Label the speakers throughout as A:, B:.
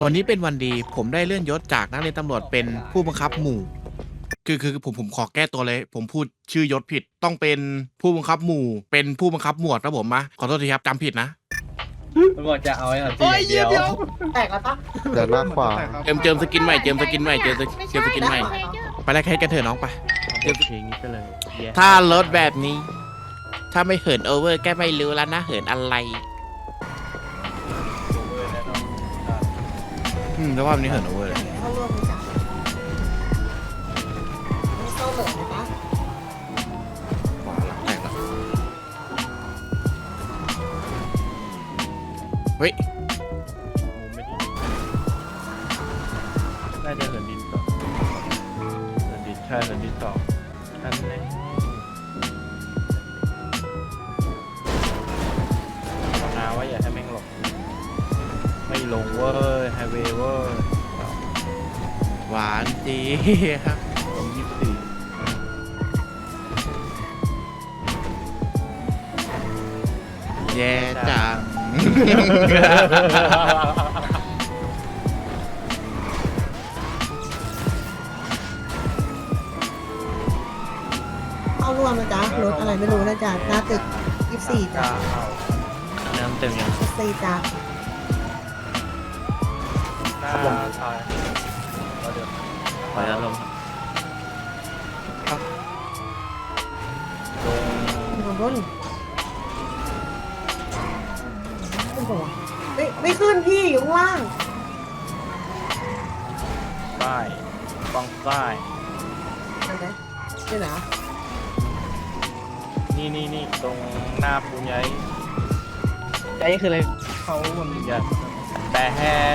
A: วันนี้เป็นวันดีผมได้เลื่อนยศจากนักเรียนตำรวจเป็นผู้บังคับหมู่คือผมขอแก้ตัวเลยผมพูดชื่อยศผิดต้องเป็นผู้บังคับหมู่เป็นผู้บังคับหมวดนะผมมาขอโทษทีครับจำผิดนะ
B: ตำรวจจะเอาไอ้หน่อยทีเดียว
C: แตกแล้วปะ
D: เดินหน้าขวา
A: เจิมสกินใหม่เจิมสกินใหม่เจิมสกินใหม่ไปแลกให้กันเถอะน้องไป
E: เพลงนี้ไปเลย
A: ถ้ารถแบบนี้ ถ้าไม่เหินโอเวอร์แกไม่รู้แล้วนะเหินอะไรแล้วว่าวันนี้เหินโอเวอร์เลย
C: เข้าร่วมไหมจ๊ะไม่เข้าเหลือไหมปะ
A: ขวาหลังแตกแล้วเฮ้ย
E: มุมไม่ดีน่าจะเหินดินต่อเหินดินใช่เหินดินต่ออันนี้นาว่าอย่าให้แม่งหลบไม่ลงเว้ยไฮเวย์เว้ย
A: หวานจีครับ
E: ลง24
A: แย่จัง
C: เข้าร่วมนะจ๊ะรถอะไรไม่รู้นะจ๊ะหน้าตึก24จ้ะ
E: น้ำเต็มยัง
C: 24จ้ะ
E: หน้าซอยเดี๋ยวขออนุญาตลงลง
C: อยู่ข้างบนขึ้นปะวะไม่ขึ้นพี่อยู่ข้างล่าง
E: ป้ายฝั่งซ้าย
C: อะไรนี่นะ
E: นี่ตรงหน้าปูนใหญ่
B: ไอ้คืออะไรเขามัน
E: ใหญ่แต่แฮก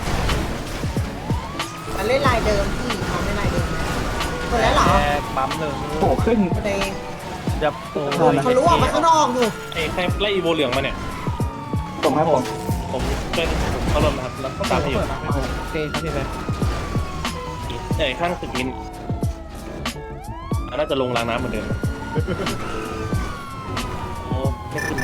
C: มันเล่นลายเดิมพี่เขาไม่ลายเดิมนะคนแล้วเหรอ
E: แฮกปั๊มหนึ่ง
B: โผล่ขึ้น
C: คนเอง
E: จะโอ้
C: เขารู้ออกมาข้างนอกอยู่
F: ไอ้ใครไล่อีโวเหลืองมาเนี่ย
B: ผมครับผม
F: ผมเป็นผมเขาลมนะครับ แล้วก็ตามไปอยู่
B: โอเคครับพี่แบงค์
F: ไอ้ข้างตึกมินน่าจะลงรางน้ำเหมือนเดิมโอ้ไม่ขึ้น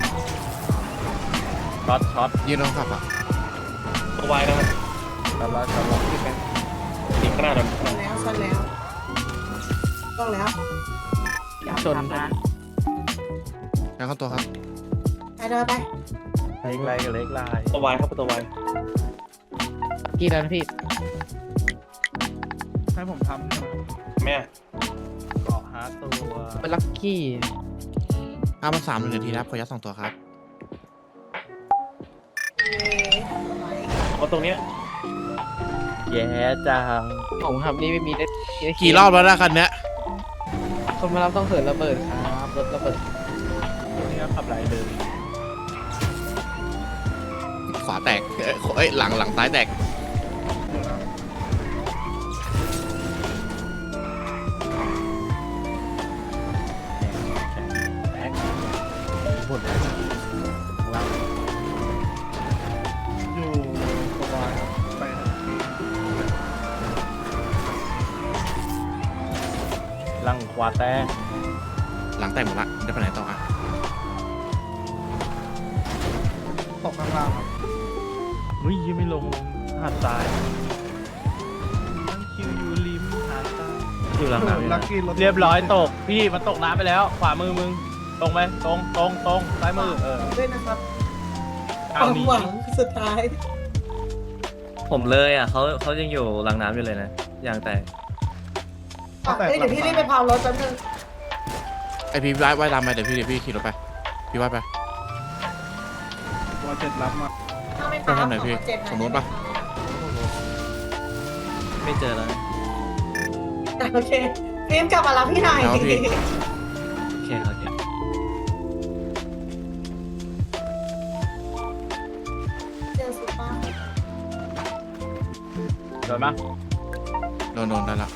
E: ช็อต
A: ยืนรองขับอ่ะ
F: ตัววายนะครับ
E: ตลอดพี่แบงค์
F: อีกข้างหน้าเรา
C: ชนแล้วต้องแล้ว
B: ชน
A: แล้วเข้าตัวครับ
C: ไปเดินไป
E: เล็กลายกับเล็กลาย
F: ตัววายครับตัววาย
B: กี่แล้วนะพี่ให้ผมทำ
F: แม่
E: เกาะหาตัว
B: เป็นลัคกี้
A: 5,300 1 นาทีนะครับขอยัด2ตัวครับ
F: เพราะตรงเนี้ย
E: แย่จัง
B: ผมครับนี่ไม่มีได้
A: กี่รอบแล้วนะคันเนี้ย
B: คนมารับต้องเหินระเบิดครับรถระเบิด
E: ตัวนี้ก็ขับไหลเลย
A: ขวาแตกเอ้ยหลังซ้ายแตกหมดแล้ว
B: อยู่สบายไป
E: ลังขวาแตก
A: หลังแตกหมดละจะไปไหนต่ออ่ะ
B: ตกข้างล่างครับ
E: เฮ้ยยังไม่ลงหาดซ้ายนั่งคิวอยู่ริมหาดซ้ายอยู่หลังน้ำเรียบร้อยตกพี่มันตกน้ำไปแล้ว ขวามือมึงตรงไหมตรงซ้ายมือ
C: ด้วยนะครับค
E: เอา
C: วาม
E: นี้
C: หวังสุดท้าย
G: ผมเลยอ่ะเขายังอยู่หลังน้ำอยู่เลยนะอย่างแต่
C: เดี๋ยวพี่รีบไปพาวรถแป๊บนึง
A: ไอพี่ว่ายตามไปเดี๋ยวพี่ขี่รถไปพี่ว่ายไป
B: ตัวเจ็ดรับมา
C: ถ้าไม่
A: ไป
C: พาว
A: ทางไหนพี่
C: เจ็ด
A: ตรงนู้นปะ
G: ไม่เจอแล้วนะ
C: โอเคฟิล์มกลับมารับพี่หน่อย
G: โอเคโอเค
C: เจอสุดมาก
E: โดนปะ
A: โดนได้ละ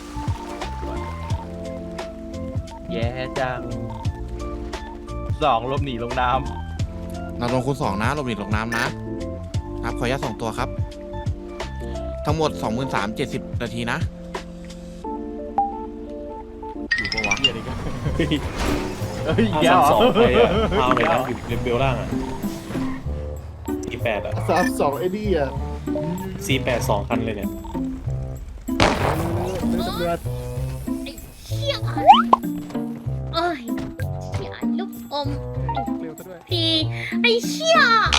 E: แย่จัง2ลบหนีลงน้
A: เราลงคูณ2นะลงหลีกลงน้ำนะครับขอยัด2ตัวครับ ทั้งหมด 23,070 นาทีนะอยู่ปะวะ
E: ำเหี้ยอะไรกันเฮ้ย
F: เอา
E: แย่
F: สาม
E: เหร
F: สองไป
E: อ
F: อะเอาเลยนะอยู่เบลล่างอ่ะอี8อ่ะ
D: 32ไอ้นี่อ่ะ
F: C82 คันเลยเนี่ย
D: เชี่ยเอ้ยเชี่ยลูกอมพี่ไอ้เชี่ย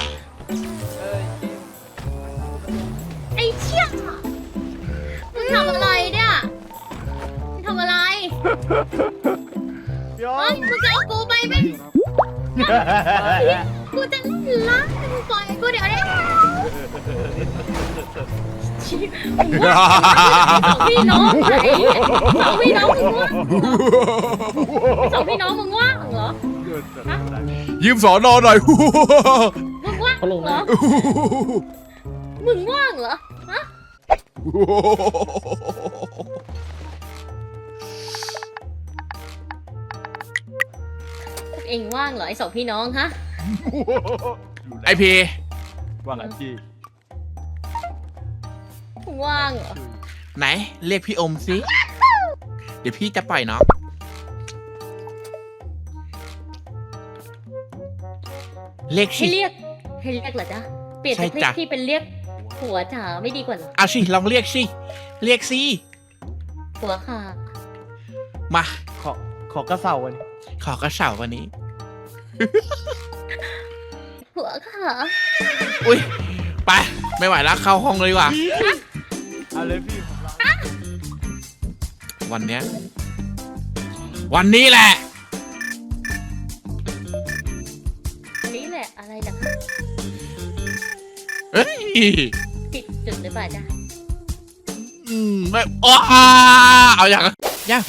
D: ไอ้เชี่ยมึงทำอะไรเนี่ยมึงทำอะไรเฮ้ยมึงจะเอากูไปไหมกูจะเล่นละมึงปล่อยกูเดี๋ยวนี้มึงว่าสองพี่น้องไหนสองพี่น้องมึงว่าสองพี่น้องมึงว่างเหรอ
A: ยืมสอนอหน่อย
D: มึงว่างเหรอมึงว่างเหรอฮะเอ็งว่างเหรอไอ้สองพี่น้องฮะ
A: ไอพี
E: ว่าไงพี่
D: มึงว่างเหรอ
A: ไหนเรียกพี่อมสิเดี๋ยวพี่จะปล่อยน้องเรียก
D: ให้
A: สิ
D: เรียกเหรอจ๊ะเปลี่ยนจาก
A: ใช่
D: เรีย
A: จ้ะ
D: กพี่เป็นเรียกผัวจ๋าไม่ดีกว่าเหรอ
A: เอาสิลองเรียกสิเรียกสิ
D: ผัวค่ะ
A: มา
E: ขอกระเสาวันนี้
A: ขอกระเสาวันนี้
D: ผัวค่ะ
A: อุ้ยไปไม่ไหวแล้วเข้าห้องเลยดีกว่า
E: เอาเลยพี่ผมรอ
A: วันเนี้ยวันนี้แหละ
D: อันนี้แหละอะไรล่ะคะ
A: เฮ้ย
D: ผิดจุดหรือเปล่าจ๊ะ
A: ไม่อ้าเอาอย่างยาฮู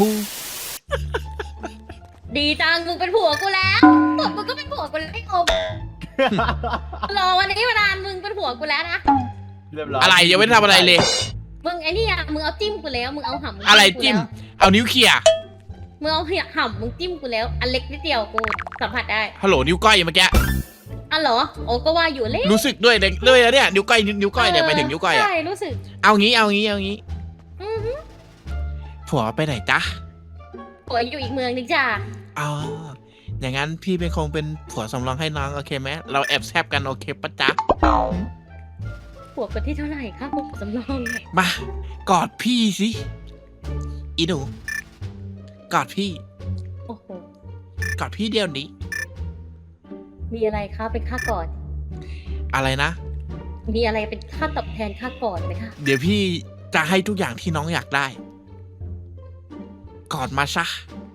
D: ดีจังมึงเป็นผัวกูแล้วมึงก็เป็นผัวกูแล้วไอ้อมรอวันนี้มานานมึงเป็นผัวกูแล้วนะ
E: เรียบร้อย
A: อะไรยังไม่ได้ทำอะไรเลย
D: มึงไอ้นี่อะมึงเอาจิ้มกูแล้วมึงเอาหำ
A: อะไร
D: กู
A: จิ้ม
D: แล้ว
A: เอานิ้วเขี่ย
D: มึงเอาหำมึงจิ้มกูแล้วอันเล็กนิดเดียวกูสัมผัสได้
A: ฮัลโหลนิ้วก้อยเมื่อกี้
D: อ่ะเหรอโอ้ก็ว่าอยู่เล็ก
A: รู้สึกด้วยเลยนะเนี่ยนิ้วก้อยเนี่ยไปถึงนิ้วก้อยอะ
D: ใช่รู้สึก
A: เอางี้
D: อือฮึ
A: ผัวไปไหนจ๊ะ
D: ผัวอยู่อีกเมืองนึงจ้า
A: อ๋ออย่างนั้นพี่เป็นคงเป็นผัวสำรองให้น้องโอเคไหมเราแอบแซบกันโอเคปะจ๊ะ
D: ผัวคนที่เท่าไหร่คะผัวสำรองเนี่ย
A: มากอดพี่สิอีหนูกอดพี่
D: โอ้โห
A: กอดพี่เดียวนี้
D: มีอะไรคะเป็นค่าก่อน
A: อะไรนะ
D: มีอะไรเป็นค่าตอบแทนค่าก่อนไหมคะ
A: เดี๋ยวพี่จะให้ทุกอย่างที่น้องอยากได้ กอดมาซะ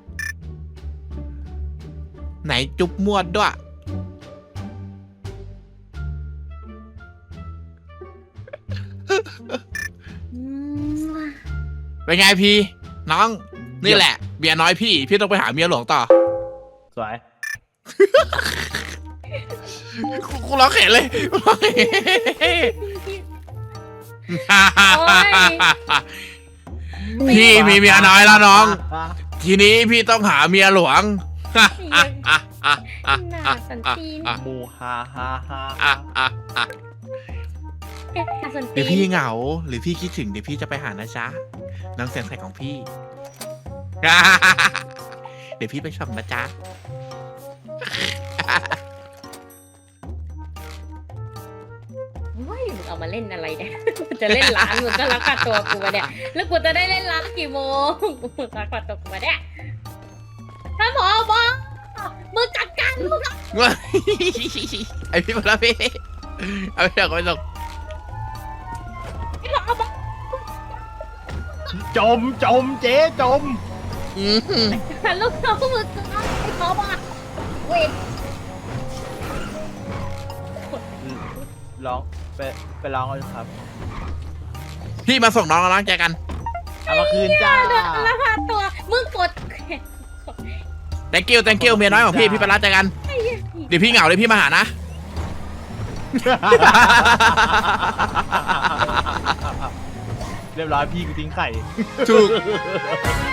A: ไหนจุ๊บมวดด้วย
D: อืม
A: เป็นไงพี่ น้อง นี่แหละเมียน้อยพี่ต้องไปหาเมียหลวงต่อ
E: สวย
A: กูร้องเข็นเลยกูร้องเข็น พี่มีเมียน้อยแล้วน้อง ทีนี้พี่ต้องหาเมียหลวง
D: น่าสันตีน
E: หมูฮาฮาฮา
D: น่าสัน
A: หรื
D: ตี
A: อน พี่เหงาหรือพี่คิดถึงเดี๋ยวพี่จะไปหานะจ๊ะน้องแสงใสของพี่ เดี๋ยวพี่ไปส่งนะจ๊ะ
D: เฮ้ยมึงเอามาเล่นอะไรเนี่ย จะเล่นร้านมึงก็รักษาตัวกูมาเนี่ย แล้วกูจะได้เล่นร้านกี่โมงมึงรักษาตัวกูมาเนี่ยท่านผอบอกมึงจัดการมึงอะ
A: ไอพี่มาแล้วพี่เอาไปส่งไปส่ง
D: ท่านผอบอก
E: จมเจ๊จม
D: ลูกน้องมึงจะไอ้ผอบอกเวท
E: ร้องไปร้องเอาครับ
A: พี่มาส่งน้องแล้วน้องเจอกัน
E: เอามาคืนจ้า
D: แล้วพาตัวมึงกด
A: thank you เมียน้อยของพี่ไปรับเจอกัน เดี๋ยวพี่เหงาเลยพี่มาหานะ
E: เรียบร้อยพี่กูทิ้งไข่
A: ถูก